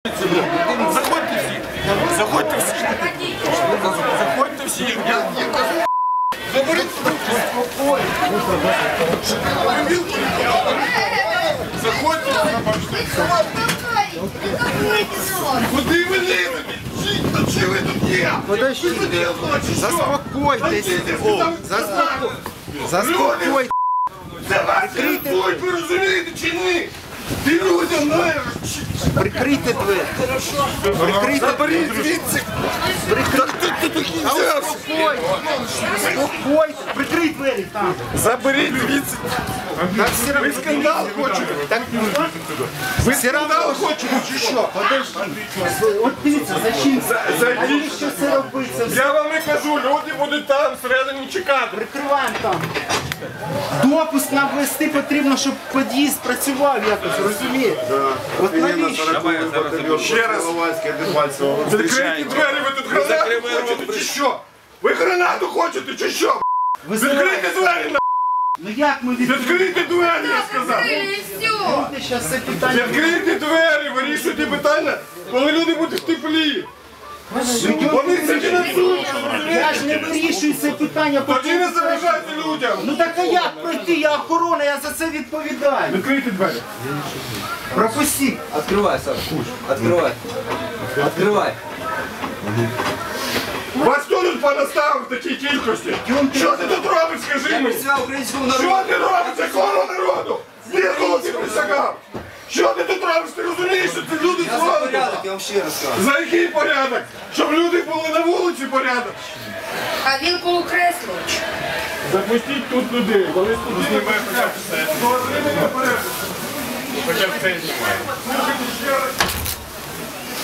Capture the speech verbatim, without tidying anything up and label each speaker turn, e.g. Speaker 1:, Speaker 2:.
Speaker 1: Заходьте всі! Заходьте всі! Заходьте всі! Заберіть руки! Заходьте куди ви лізете? Чи ви тут є?
Speaker 2: Подождите, заспокойтесь. Заспокойтесь.
Speaker 1: Це вас рятують, ви розумієте чи ні? Ти людям знаєш!
Speaker 2: Прикрийте двері. Прикрийте
Speaker 1: Заберіть звідси! Ти тут взявся!
Speaker 2: Спокойтесь. Прикрий двері там.
Speaker 1: Заберіть звідси!
Speaker 2: Так все равно.
Speaker 1: Ви скандал хочете?
Speaker 2: Так,
Speaker 1: Ви скандал хочете чи що?
Speaker 2: от дивіться, зачем?
Speaker 1: Зайдіть!
Speaker 2: Навіщо це робиться?
Speaker 1: Я вам і кажу, люди будуть там всередині чекати.
Speaker 2: Прикриваємо там. Допуск нам ввести потрібно, щоб під'їзд працював якось, розумієте? От навіщо?
Speaker 1: Ще раз. Відкрийте двері, ви тут гранату хочете чи що? Ви гранату хочете чи що? Відкрийте двері, на!
Speaker 2: Ну як ми відкриємо?
Speaker 1: Відкрийте двері, я сказав!
Speaker 2: Зараз це питання.
Speaker 1: Відкрийте двері, вирішуйте питання, коли люди будуть в теплі. Вони це фінансують,
Speaker 2: Я ж не вирішую це питання.
Speaker 1: тоді не заважайте людям.
Speaker 2: Ну так а як пройти? Я охорона, я за це відповідаю.
Speaker 1: Відкрийте двері.
Speaker 2: Пропустіть.
Speaker 3: Открывай, Саш. Открывай. Открывай.
Speaker 1: Вас хто тут понаставив в такій кількості? Що ти тут робиш, скажи мені?
Speaker 3: Присягал украинскому
Speaker 1: Що
Speaker 3: народу.
Speaker 1: ти робиш, якого народу? Звідки ти присягав? Що ти тут робиш? Ти розумієш, що це люди
Speaker 3: Я
Speaker 1: з
Speaker 3: за
Speaker 1: фронту?
Speaker 3: порядок, я вам ще раз скажу.
Speaker 1: За який порядок? Щоб люди були на вулиці порядок.
Speaker 4: А він коло кресло.
Speaker 1: Запустіть тут людей, вони тут знімають. Хоча б це знімає.